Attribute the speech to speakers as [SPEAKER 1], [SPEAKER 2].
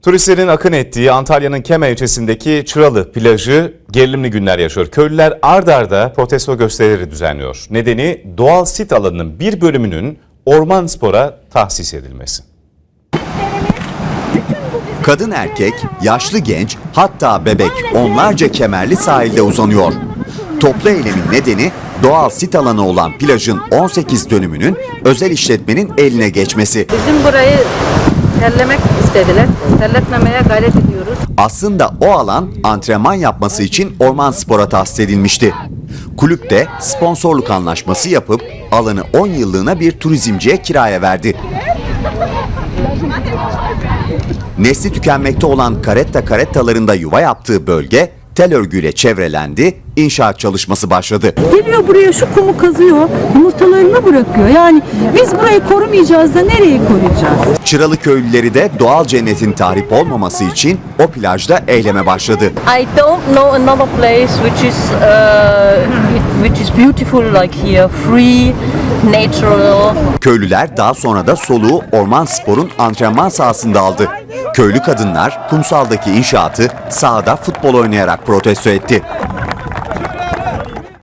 [SPEAKER 1] Turistlerin akın ettiği Antalya'nın Kema ilçesindeki Çıralı plajı gerilimli günler yaşıyor. Köylüler ard arda protesto gösterileri düzenliyor. Nedeni doğal sit alanının bir bölümünün Orman Spor'a tahsis edilmesi.
[SPEAKER 2] Kadın erkek, yaşlı genç, hatta bebek onlarca kemerli sahilde uzanıyor. Toplu eylemin nedeni doğal sit alanı olan plajın 18 dönümünün özel işletmenin eline geçmesi.
[SPEAKER 3] Bizim burayı terlemek istediler. Terletmemeye gayret ediyoruz.
[SPEAKER 2] Aslında o alan antrenman yapması için Orman Spor'a tahsis edilmişti. Kulüp de sponsorluk anlaşması yapıp alanı 10 yıllığına bir turizmciye kiraya verdi. Nesli tükenmekte olan karettalarında yuva yaptığı bölge tel örgüyle çevrelendi, inşaat çalışması başladı.
[SPEAKER 4] Geliyor buraya şu kumu kazıyor, yumurtalarını bırakıyor. Yani biz burayı korumayacağız da nereyi koruyacağız?
[SPEAKER 2] Çıralı köylüleri de doğal cennetin tahrip olmaması için o plajda eyleme başladı.
[SPEAKER 5] I don't know another place which is beautiful like here, free, natural.
[SPEAKER 2] Köylüler daha sonra da soluğu Orman Spor'un antrenman sahasında aldı. Köylü kadınlar kumsaldaki inşaatı sahada futbol oynayarak protesto etti.